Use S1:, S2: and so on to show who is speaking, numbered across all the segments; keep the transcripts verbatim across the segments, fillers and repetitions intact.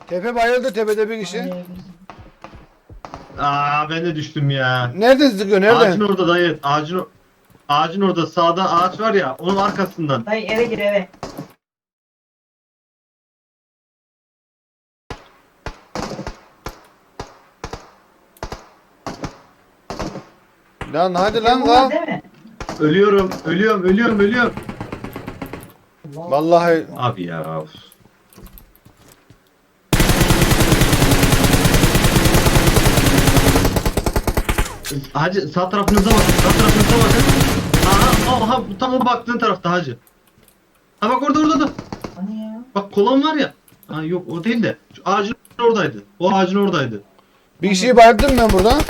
S1: Tepe bayıldı, tepede bir kişi.
S2: Hayır.
S3: Aa ben de düştüm ya.
S1: Nereden sıkıyor,
S3: Ağacın
S1: nereden?
S3: orada dayı. Ağacın ağacın orada sağda ağaç var ya onun arkasından.
S2: Dayı eve gir eve.
S1: Lan hadi lan
S2: Bu var
S1: lan.
S2: değil mi?
S3: Ölüyorum, ölüyorum, ölüyorum, ölüyorum.
S1: Vallahi
S3: Abi ya. Of. Hacı sağ tarafınıza bakın. Sağ tarafınıza bakın. Aha, aha tam o baktığın tarafta hacı. Ha bak orada orada da.
S2: Hani ya?
S3: Bak kolan var ya. Ha yok o değil de. Şu ağacın oradaydı. O ağacın oradaydı.
S1: bir kişiyi bayıldım ben burada.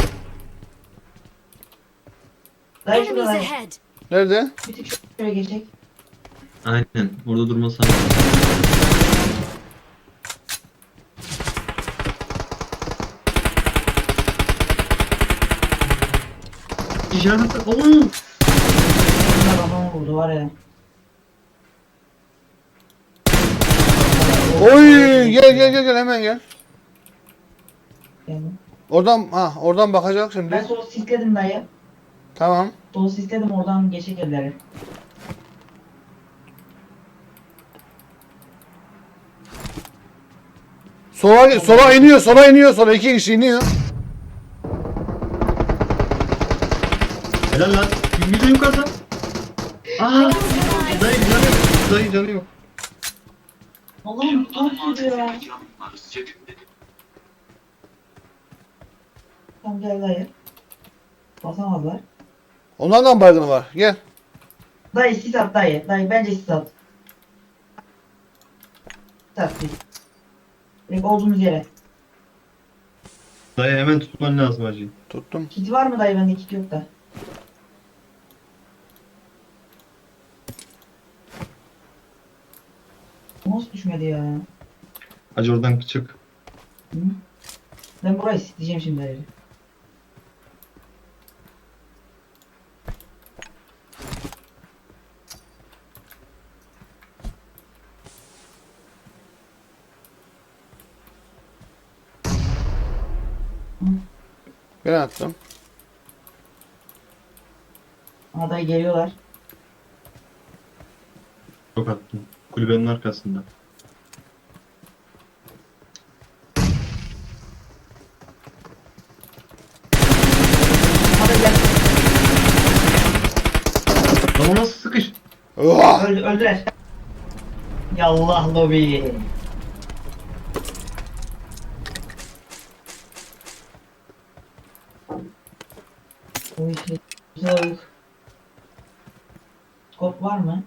S2: Dayı şurada
S4: Enemies
S2: dayı.
S4: ahead!
S1: Nerede?
S2: Bir tık şöyle geçecek.
S3: Aynen. Burada durmasana. İşaret. Oo.
S2: Bunlar adamı vurdu var ya.
S1: Oy, gel gel gel gel hemen gel.
S2: Geldim.
S1: Oradan ha oradan bakacak
S2: Ben
S1: şimdi.
S2: solu sisledim dayı.
S1: Tamam.
S2: Solu sisledim oradan geçecek evleri.
S1: Sola sola iniyor, sola iniyor, sola iki kişi iniyor.
S3: Helal lan. Bir de yukarıda. Aa. Dayı canı yok. Dayı canı yok.
S2: Allah'ım tam gidiyor ya. Tam gel dayı. Basamazlar.
S1: Onlardan baygını var. Gel.
S2: Dayı sis at dayı. Dayı bence sis at. Sis at sis. Direkt olduğumuz yere.
S3: Dayı hemen tutman lazım hacı.
S1: Tuttum.
S2: Kit var mı dayı? Bende kit yok da. Nasıl düşmedi ya?
S3: Hacı oradan çık.
S2: Hı? Ben burayı sisleyeceğim şimdi dayı.
S1: Ben attım.
S2: Aa dayı geliyorlar.
S3: Çok attım. Kulübenin arkasında.
S2: Aa dayı gel.
S3: Lan o nasıl sıkış?
S1: Oha!
S2: Öldü, öldüler. Yallah lobi. Bu işi güzel. Skop var mı?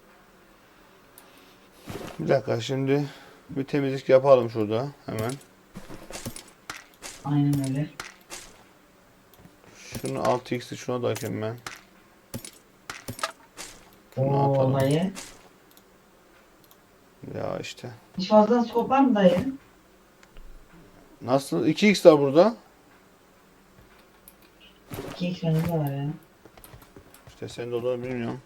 S1: Bir dakika şimdi bir temizlik yapalım şurada hemen.
S2: Aynen öyle.
S1: Şunu altı x'i şuna da ekeyim ben. Şunu
S2: Oo
S1: atalım.
S2: dayı.
S1: Ya işte.
S2: Hiç fazla skop var mı dayı?
S1: Nasıl? iki x var burada.
S2: iki x bende de var ya.
S1: İşte sen de olduğunu bilmiyorum.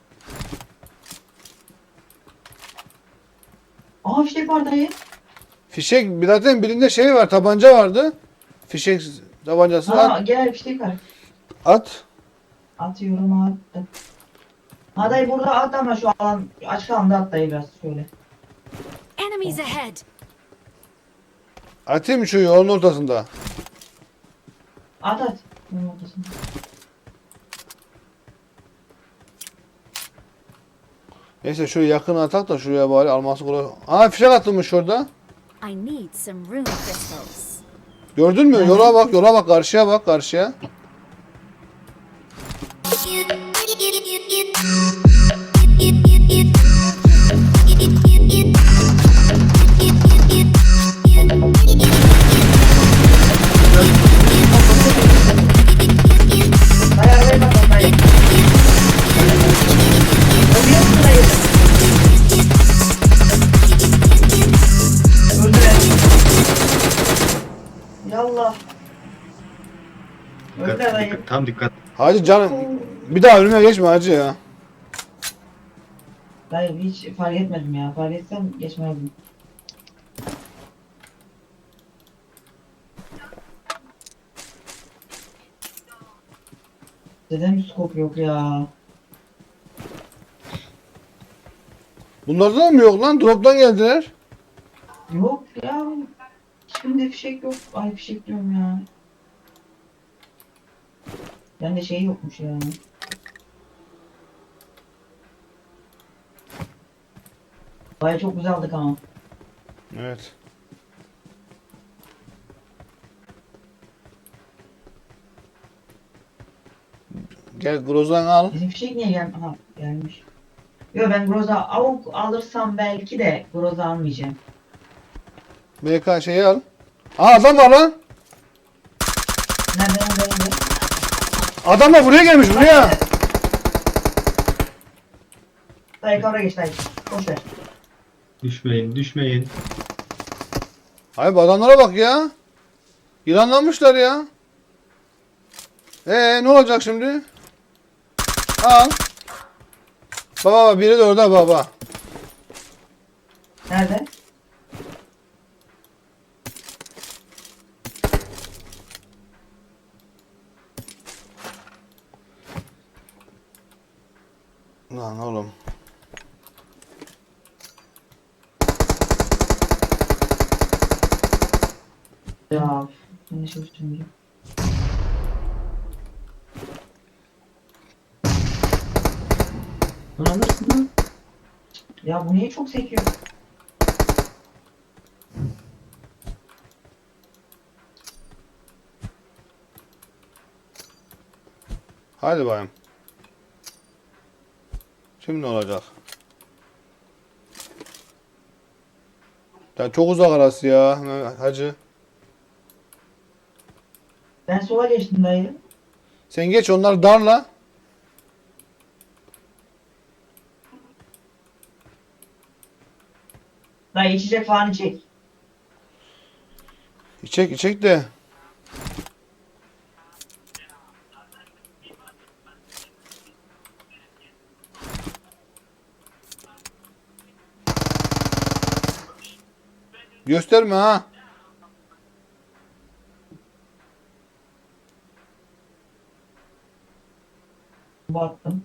S2: Aa fişek var dayı.
S1: Fişek zaten birinde şey var, tabanca vardı. Fişek tabancası
S2: Aa
S1: at.
S2: gel fişek var.
S1: At.
S2: Atıyorum attım. Ha dayı burada at ama şu alan açık alanda at dayı biraz şöyle.
S4: Enemies ahead!
S1: Atayım mı şu yolun ortasında?
S2: At at. Bunun ortasında.
S1: Neyse şuraya yakın atak da şuraya bari alması kolay. Aa fişek atılmış şurada.
S4: I need some rune crystals.
S1: Gördün mü? Yola bak, yola bak, karşıya bak, karşıya.
S2: Dayı arabaya bak dayı. Ölüyor musun dayı? Öldüler. Yallah. Öldüler dayı.
S3: Dikkat, tam dikkat.
S1: Hacı canım bir daha önüme geçme hacı ya.
S2: Dayı hiç fark etmedim ya. Fark etsem geçmezdim. Neden bir scope yok ya?
S1: Bunlarda da mı yok lan? Drop'tan geldiler.
S2: Yok ya. Hiçbirinde fişek yok. Ay fişek diyorum ya. Bende şey yokmuş ya. Baya çok güzel aldık ama.
S1: Evet. Gel Grozan al.
S2: Bizim fişek niye gel Aha gelmiş. Yo ben Groza avuk alırsam belki de Groza almayacağım.
S1: B K şeyi al. Aa adam var lan.
S2: Nerede nerede nerede?
S1: Adam da buraya gelmiş buraya.
S2: Dayı kavra geç dayı. Boş ver.
S3: Düşmeyin, düşmeyin.
S1: Hayır bu adamlara bak ya. Yılanlanmışlar ya. Ee ne olacak şimdi? Al. Baba baba biri de orada baba.
S2: Nerede?
S1: Lan oğlum.
S2: Ya. Ben de şey üstümde. Bunu alırsın lan. Ya bu niye çok sekiyor?
S1: Hadi bayım. Şimdi ne olacak? Ya çok uzak arası ya Mehmet hacı.
S2: Ben sola geçtim dayı.
S1: Sen geç onları darla.
S2: Dayı içecek falan içecek.
S1: İçek içek de. Gösterme ha.
S2: Baktım.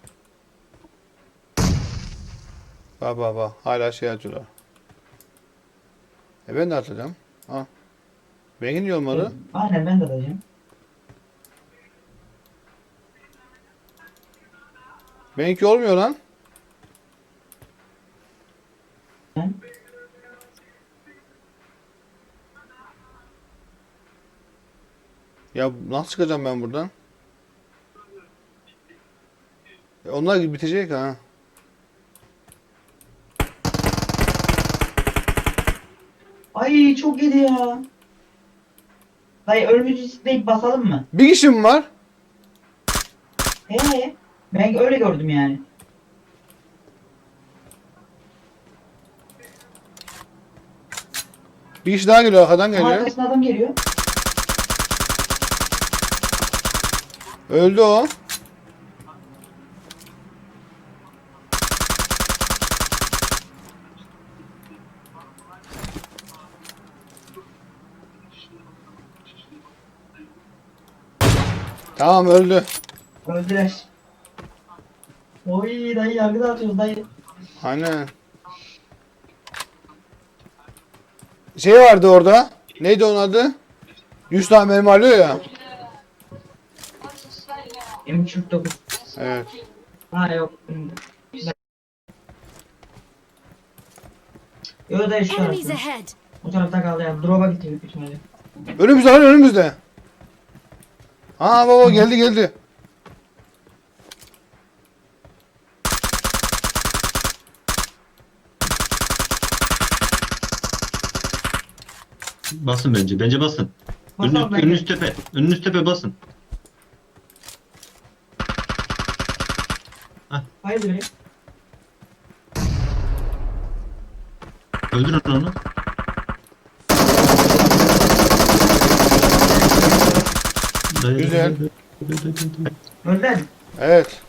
S1: Bak bak bak. Hala şey atıyorlar. E ben de atacağım. Ha. Benimki olmadı.
S2: Aynen ben de dayıcım.
S1: Benimki olmuyor lan.
S2: Ben.
S1: Ya nasıl çıkacağım ben buradan? E onlar gibi bitecek ha.
S2: Ay çok iyiydi ya. Dayı ölümcül isteyip basalım mı?
S1: Bir kişi mi var?
S2: Ee, ben öyle gördüm yani.
S1: Bir kişi daha geliyor arkadan
S2: Ama
S1: geliyor.
S2: arkasına adam geliyor.
S1: Öldü o. Tamam öldü.
S2: Öldüler. Oy dayı yargıda atıyoruz dayı.
S1: Aynen. Şey vardı orada. Neydi onun adı? yüz tane mermi alıyor ya.
S2: M kırk dokuz.
S1: Evet.
S2: Ha yok. Yo dayı şu
S4: Enemies
S2: tarafta.
S4: ahead.
S2: Bu tarafta kaldı ya. Drop'a gitti büyük ihtimalle.
S1: Önümüzde lan önümüzde. Aa baba geldi geldi.
S3: Basın bence, bence basın.
S2: Basalım
S3: Önünüz,
S2: bence.
S3: önünüz tepe, önünüz tepe basın.
S2: Hayırdır ya?
S3: Öldürün onu.
S1: Güzel.
S2: Öldüler mi?
S1: Evet.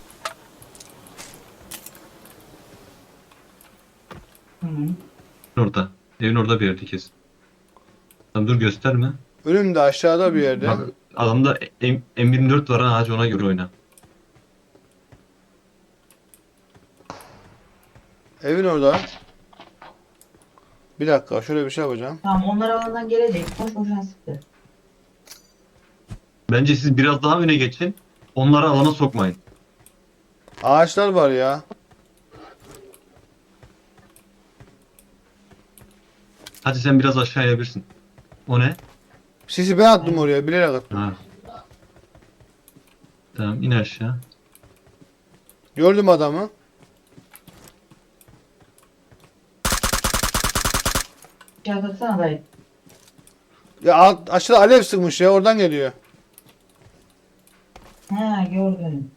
S2: Tamam.
S3: Orada. Evin orada bir yerde kesin. Tamam dur gösterme.
S1: Önümde aşağıda bir yerde.
S3: Bak, adamda M- M24 var ha, hacı ona göre oyna.
S1: Evin orada. Bir dakika şöyle bir şey yapacağım.
S2: Tamam onlar alandan gelecek. Boş boşuna sıktı.
S3: Bence siz biraz daha öne geçin. Onları alana sokmayın.
S1: Ağaçlar var ya.
S3: Hadi sen biraz aşağıya birsin. O ne?
S1: Sisi ben attım oraya bilerek attım.
S3: Ha. Tamam in aşağı.
S1: Gördüm adamı.
S2: İşaret atsana dayı.
S1: Ya alt, aşağıda alev sıkmış ya oradan geliyor.
S2: Ha gördüm.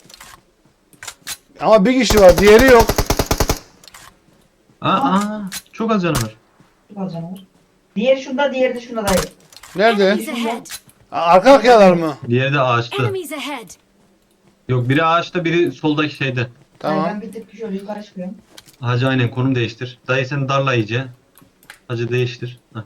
S1: Ama bir kişi var diğeri yok.
S3: Aa, aa çok az canı var.
S2: Çok az canavar. Diğeri şunda, diğeri de şunda dayı.
S1: Nerede?
S4: Enemies ahead.
S1: A- Arka arkayalar mı?
S3: Diğeri de ağaçta.
S4: Enemies ahead.
S3: Yok biri ağaçta biri soldaki şeyde.
S1: Tamam.
S2: Dayı ben bir tık şöyle yukarı çıkıyorum.
S3: Hacı aynen konum değiştir. Dayı sen darla iyice. Hacı değiştir. Heh.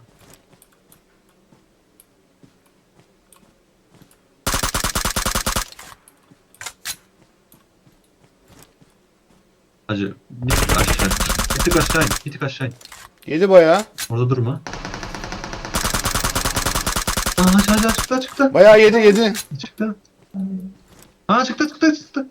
S3: Hacı bir tık aşağı. Bir tık aşağı in. Bir tık aşağı in.
S1: Yedi bayağı.
S3: Orada durma. Aa hacı hacı çıktı çıktı.
S1: Bayağı yedi yedi.
S3: Çıktı. Aa çıktı çıktı çıktı.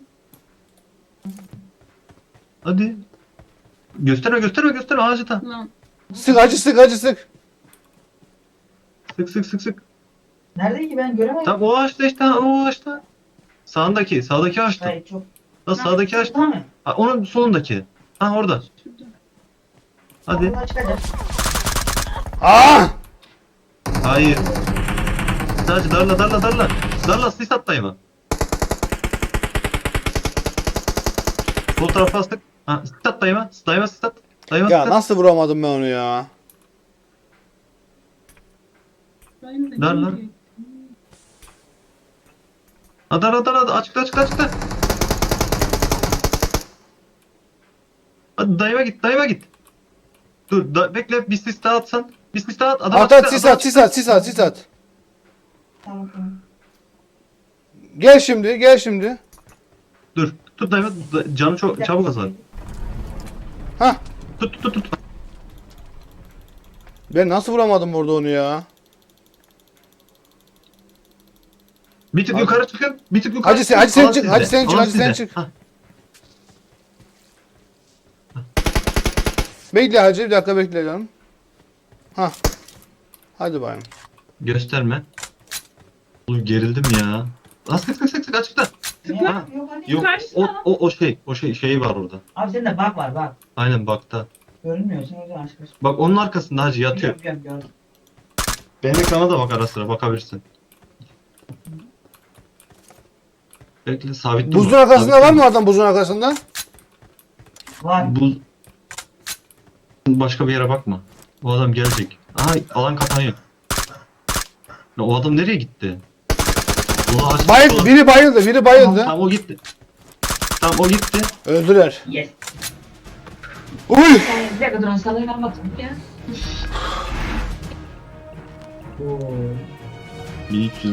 S3: Hadi. Gösterme gösterme gösterme ağacı tam.
S1: Sık acı sık acı sık.
S3: Sık sık sık sık.
S2: Nerede ki ben göremedim.
S3: Tam o ağaçta işte ha, o ağaçta. Sağındaki sağdaki ağaçta.
S2: Dayı çok.
S3: Lan sağdaki ağaçta.
S2: Tamam mı?
S3: Ha, onun solundaki. Ha orada. Hadi.
S2: Oradan çıkacak.
S1: Aa!
S3: Hayır. Sadece darla darla darla. Darla sis at dayıma. Sol tarafa astık. Ha sis at dayıma. Dayıma sis at. Dayıma sis
S1: Ya
S3: at.
S1: nasıl vuramadım ben onu ya?
S3: Darla. Ha darla darla. Açıkta açıkta açıkta. Hadi dayıma git dayıma git. Dur da, bekle bir sis daha atsan. Bir sis daha at. Adam
S1: At
S3: açıkta,
S1: at sis
S3: adam
S1: at sis at sis at sis at.
S2: Tamam tamam.
S1: Gel şimdi gel şimdi.
S3: Dur. Tut dayıma. Da- Canı
S2: Bir
S3: çok
S2: dakika.
S3: çabuk azar.
S1: Hah.
S3: Tut tut tut. tut.
S1: Ben nasıl vuramadım burada onu ya?
S3: Bir tık
S1: Hadi.
S3: yukarı çıkın. Bir tık yukarı
S1: Hacı sen,
S3: çıkın.
S1: hacı sen
S3: Alan
S1: çık,
S3: sizde,
S1: hacı sen çık,
S3: alan
S1: hacı sen
S3: sizde.
S1: çık.
S3: Ha,
S1: Bekle hacı bir dakika bekle canım. Hah. Hadi bayım.
S3: gösterme. Oğlum gerildim ya. Ha sık sık sık sık açıkta.
S2: Niye?
S3: Ha.
S2: Yok hadi.
S3: Yok o, o o şey o şey şeyi var orada.
S2: Abi sende bak var bak.
S3: Aynen bakta.
S2: Görünmüyor. Sen o yüzden aşk olsun.
S3: Bak onun arkasında hacı yatıyor.
S2: Gördüm gördüm.
S3: Benim ekrana da bak ara sıra bakabilirsin. Bekle sabit durma.
S1: Buzun arkasında
S3: sabit
S1: var
S3: durma.
S1: mı adam buzun arkasında?
S2: Var.
S3: Buz... Başka bir yere bakma. O adam gelecek. Aha alan kapanıyor. Ya, o adam nereye gitti? Ulan açtı,
S1: Bayıldı,
S3: ulan-
S1: biri bayıldı, biri bayıldı.
S3: Tamam o gitti. Tamam o gitti.
S1: Öldüler.
S2: Yes.
S1: Uy!
S2: Sen bir dakika durun sana inanmadım ya. Oo.
S3: bin üç yüz